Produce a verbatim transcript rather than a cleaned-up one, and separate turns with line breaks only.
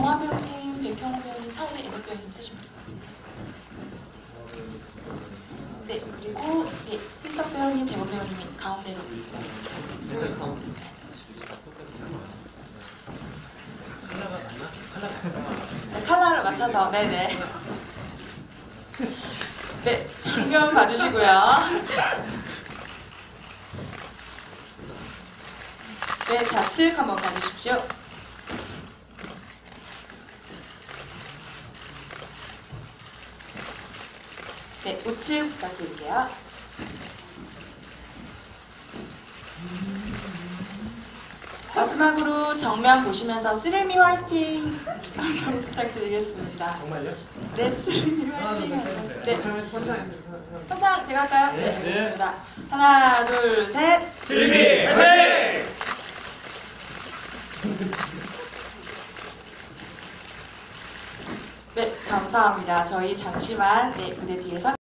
정화 배우님, 백현우 배우님 사이에 애국 배우님 쓰시면 될 것 같아요. 네, 그리고 예, 필석 배우님, 재범 배우님이 가운데로 있어요. 네, 컬러를 맞춰서, 네네. 네, 정면 봐주시고요. 네, 좌측 한번 봐주십시오. 네, 우측 부탁드릴게요. 마지막으로 정면 보시면서 쓰리미 화이팅 한번 부탁드리겠습니다.
정말요?
네, 쓰리미 화이팅. 네, 선창 제가 할까요?
네,
네, 알겠습니다. 하나, 둘, 셋.
쓰리미 화이팅!
네, 감사합니다. 저희 잠시만 네, 무대 뒤에서